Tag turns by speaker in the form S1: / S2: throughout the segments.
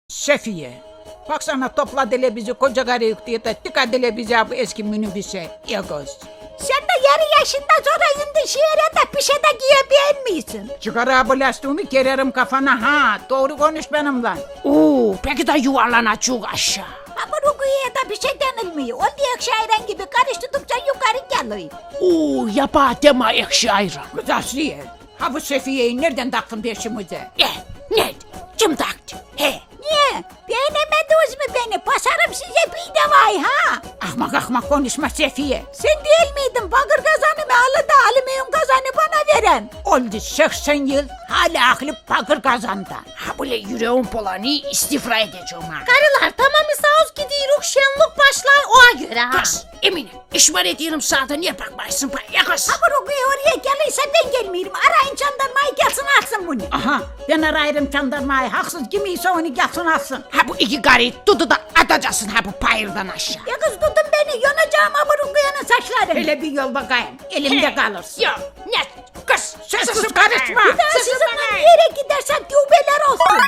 S1: Şefiye, baksana topladılar bizi koca karı yüklüyor da tıkadılar bizi bu eski minibüse. Yagoz.
S2: Sen de yarı yaşında sonra indi şiire de bir şey de giyebilmiyorsun.
S1: Çıkar abi lastiğimi kererim kafana ha. Doğru konuş benimle.
S3: Oo, peki de yuvarlanacak aşağı.
S2: Ama Rukiye'ye de bir şey denilmiyor. O diye şairen gibi karıştırdıkça yukarı geliyor.
S3: Oo, yapa deme ekşi ayran.
S1: Kız Asiye, ha bu Sefiye'yi nereden taktın peşimize?
S3: Ne? Kim taktı? He.
S2: Niye? Beğenemediniz mi beni? Basarım size bir de vay ha.
S1: Ahmak ahmak konuşma Sefiye.
S2: Sen değil miydin bakır kazanı alı da alüminyum kazanı bana veren?
S1: Oldu 80 yıl hala aklı bakır kazanda.
S3: Ha böyle yüreğim polanı istifra edeceğim ha.
S4: Karılar tamamı sağ ol gidiyoruz şenlik başlar oğa göre ha.
S3: Kız, Emine, işbar ediyorum sana da niye bakmaysın ya kız?
S2: Ama Rukiye oraya gelirse ben gelmiyorum. Arayın jandarmayı gelsin alsın bunu.
S1: Aha, ben arayırım jandarmayı. Haksız kimiyse onu gelsin alsın.
S3: Ha bu iki karıyı tutu da atacaksın ha bu payırdan aşağı.
S2: Ya kız tutun beni yanacağım ama Rukiye'nin saçlarını.
S1: Hele bir yol bakayım. Elimde kalırsın.
S3: Ya ne? Kız,
S1: Sessiz karışma.
S2: Bir daha sizinle bir yere gidersem tübeler olsun.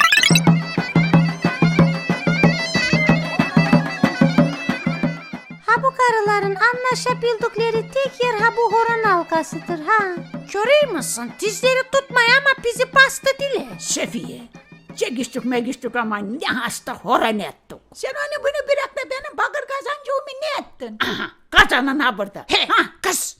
S2: Ha bu karıların anlaşabildikleri tek yer ha bu horon halkasıdır ha.
S4: Görüyor musun? Dizleri tutmaya ama bizi bastı dile.
S1: Sefiye, çekiştik megiştik ama ne hasta horan ettik.
S2: Sen onu bunu bırak da benim bakır kazancımı ne ettin?
S1: Aha, kazanan ha burada.
S3: He,
S1: Ha,
S3: kız,